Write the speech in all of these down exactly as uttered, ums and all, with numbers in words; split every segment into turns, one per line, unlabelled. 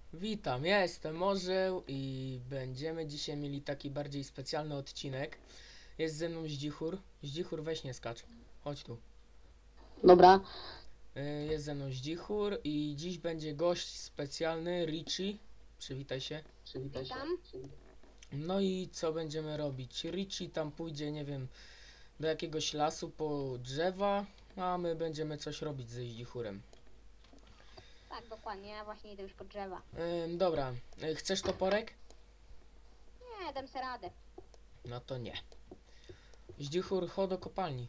Witam, ja jestem Orzeł i będziemy dzisiaj mieli taki bardziej specjalny odcinek. Jest ze mną Zdzichur. Zdzichur, weź nie skacz. Chodź tu.
Dobra,
Y, Jest ze mną Zdzichur i dziś będzie gość specjalny, Richie. Przywitaj się.
Witam.
No i co będziemy robić? Richie tam pójdzie, nie wiem, do jakiegoś lasu po drzewa, a my będziemy coś robić ze Zdzichurem.
Tak, dokładnie, ja właśnie idę już po drzewa.
Ym, dobra, Y, chcesz toporek?
Nie, dam sobie radę.
No to nie. Zdzichur, chodź do kopalni.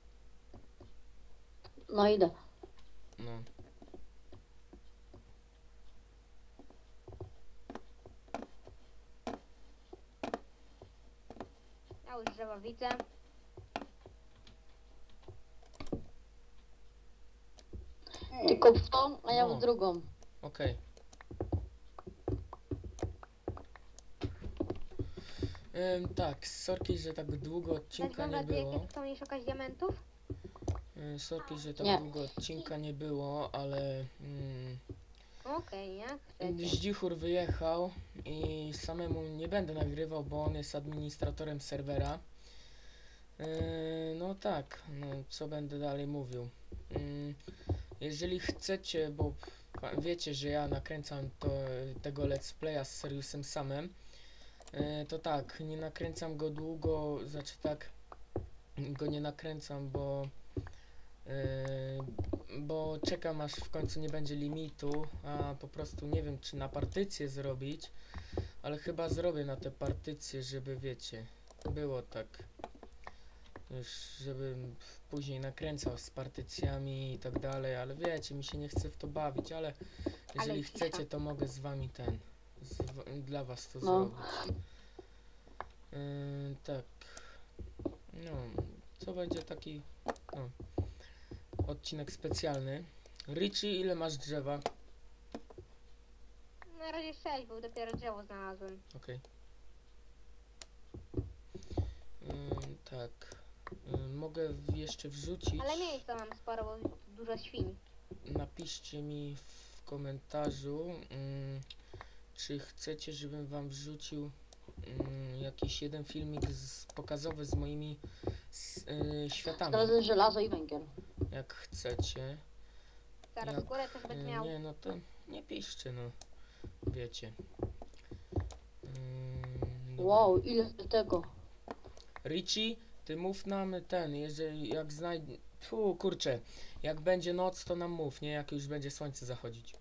no idę.
No.
Ja już drzewa widzę.
Ty kop w tą, a ja
No.
w drugą.
Okej. Ym, tak, sorki, że tak długo
Bez
odcinka
względu
nie
na to, jakie
było.
chcą nie szukać diamentów.
Ym, sorki, że tak
Nie.
długo odcinka nie było, ale mm,
Okej, jak chcecie.
Zdzichur wyjechał i samemu nie będę nagrywał, bo on jest administratorem serwera. Yy, no tak, no co będę dalej mówił. Yy, jeżeli chcecie, bo pa- wiecie, że ja nakręcam to, tego let's playa z Seriusem samym, yy, to tak, nie nakręcam go długo, znaczy tak, go nie nakręcam, bo Yy, bo czekam aż w końcu nie będzie limitu, a po prostu nie wiem czy na partycję zrobić, ale chyba zrobię na te partycje, żeby wiecie, było tak już, żebym później nakręcał z partycjami i tak dalej, ale wiecie, mi się nie chce w to bawić, ale jeżeli
cisza.
chcecie, to mogę z wami ten, z, w- dla was to
No.
zrobić. Yy, tak, no, co będzie taki, no, odcinek specjalny. Richie, ile masz drzewa?
Na razie sześć, bo dopiero drzewo znalazłem.
Okej. Ym, tak. Ym, mogę w- jeszcze wrzucić.
Ale miejsca mam sporo, bo dużo świń.
Napiszcie mi w komentarzu, ym, czy chcecie, żebym wam wrzucił ym, jakiś jeden filmik z, pokazowy z moimi s, y, światami.
Teraz żelazo i węgiel.
Jak chcecie.
Zaraz
Jak,
górę też
y,
będę miał.
nie, no to nie piszcie, no. Wiecie. Ym, dobra.
Wow, ile tego.
Richie, ty mów nam ten, jeżeli jak znajdzie... Tu kurczę, jak będzie noc, to nam mów, nie? Jak już będzie słońce zachodzić.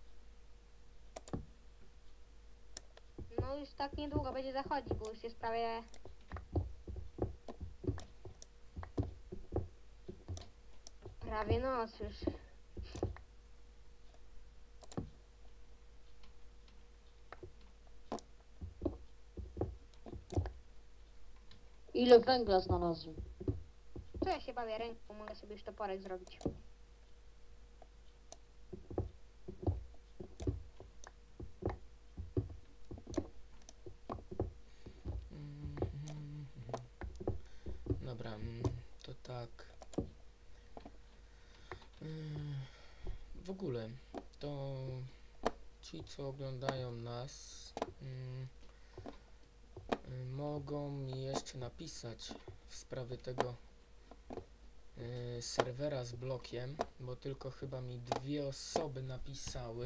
No już tak niedługo będzie zachodzić, bo już jest prawie... Prawie noc już.
Ile węgla znalazłem.
Co ja się bawię ręką, mogę sobie już toporek zrobić.
Mhm. Dobra, mm, to tak. Ym, W ogóle, to ci, co oglądają nas, ym, y, mogą mi jeszcze napisać w sprawie tego y, serwera z blokiem, bo tylko chyba mi dwie osoby napisały,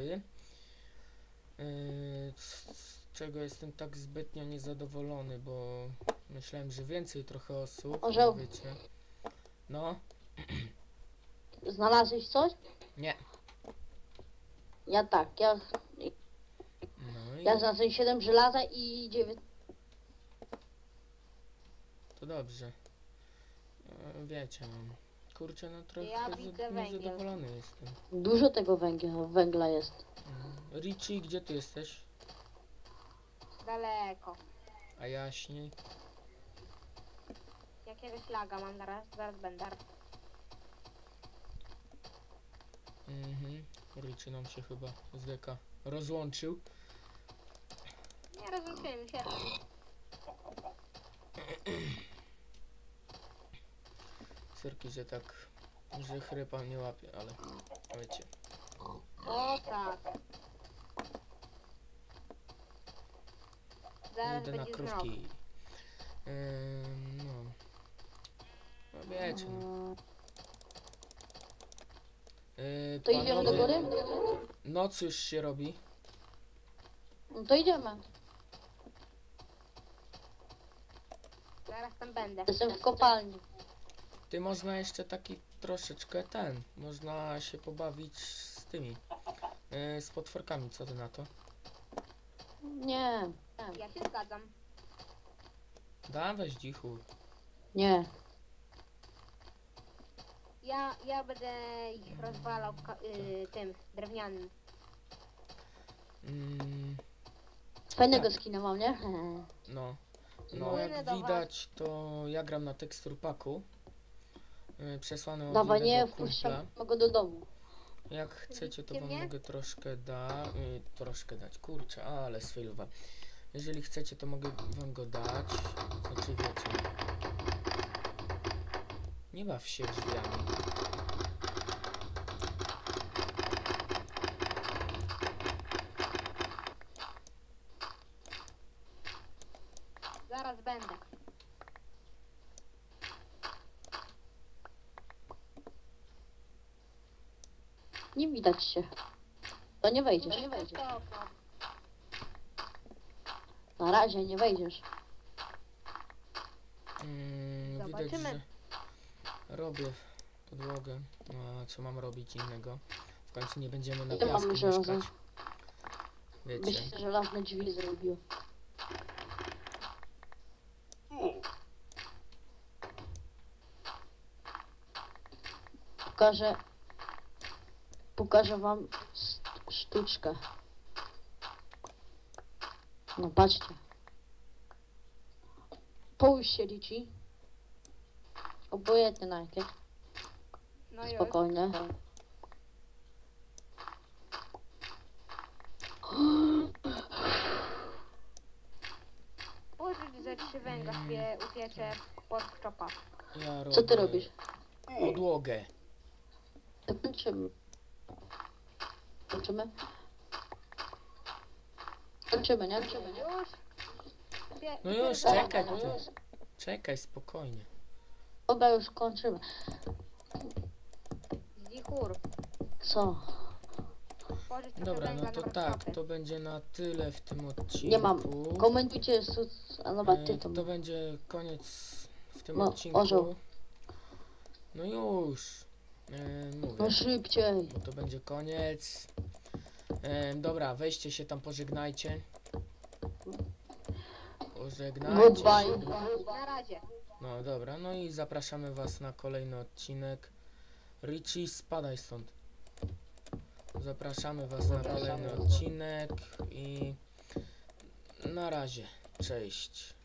y, z, z czego jestem tak zbytnio niezadowolony, bo myślałem, że więcej trochę osób,
Orzeł.
wiecie. No,
Znalazłeś coś?
nie.
Ja tak, ja,
No i
ja znalazłem siedem żelaza i dziewięć.
to dobrze. E, Wiecie, no. Kurczę, no trochę
Ja
za-
widzę węgiel.
niezadowolony jestem.
Dużo tego węgla, węgla jest.
Mm. Richie, gdzie ty jesteś?
Daleko.
A jaśniej?
Jakiegoś laga mam zaraz, zaraz będę.
Mhm. Richie nam się chyba z deka rozłączył.
Nie rozumiem się.
Sorki, że tak, że chrypa nie łapie, ale wiecie.
O tak. Zaraz
Idę na
będzie
krówki.
zmrok.
Ym, no. No wiecie. No. Yy,
To idziemy do
panowie,
góry?
noc już się robi.
No to idziemy.
Zaraz tam będę.
Jestem w kopalni.
Ty można jeszcze taki troszeczkę ten. Można się pobawić z tymi. Yy, z potworkami, co ty na to?
Nie.
Ja się zgadzam.
Da, weź dzichu.
Nie.
Ja, ja będę ich rozwalał ka- y, tym drewnianym.
Mm,
Fajnego
Tak.
skina mam, nie?
no. No
Płynę
jak
do was.
widać, to ja gram na tekstur paku. Yy, przesłany od
Dawaj, nie
innego
wpuszczam
kumpla.
go do domu.
Jak chcecie, to
Widzicie
wam
mnie?
mogę troszkę da, y, troszkę dać. Kurczę, ale sfailowa. Jeżeli chcecie, to mogę wam go dać. Znaczy wiecie. Nie baw się drzwiami.
Zaraz będę.
Nie widać się. To nie wejdziesz. Nie
Przez
wejdziesz.
to okno.
Na razie nie wejdziesz.
Mm, widać,
Zobaczymy.
że robię podłogę. No, a co mam robić innego? W końcu nie będziemy na
Ja mam
piasku
żelazo.
mieszkać. Wiecie.
Byś te żelazne drzwi zrobił. Pokażę... Pokażę wam st- sztuczkę. No patrzcie. Połóż się, Richie. Obojętnie na jakie.
No już.
Spokojnie.
Pożyć ze trzy węgla sobie upiecze pod czopa.
Ja robię
Co ty robisz?
podłogę.
To kończymy. Kończymy? Kończymy, nie? Kończymy, nie?
Już. Upie-
No już,
upiecze-
czekaj
no
ty.
już.
Czekaj, spokojnie.
Dobra, już kończymy.
Zichur.
Co?
Pożyć trochę
Dobra,
węgla
no to
na
tak,
workshopy.
to będzie na tyle w tym odcinku.
Nie mam. Komentujcie, su... a dobra, ty
E,
to
To będzie koniec w tym
No,
odcinku.
orzeł.
No już. E, mówię,
No szybciej.
bo to będzie koniec. E, dobra, weźcie się tam, pożegnajcie. Pożegnajcie
Goodbye.
się.
Na razie.
No dobra, no i zapraszamy was na kolejny odcinek. Richie, spadaj stąd. Zapraszamy was na kolejny odcinek i na razie. Cześć.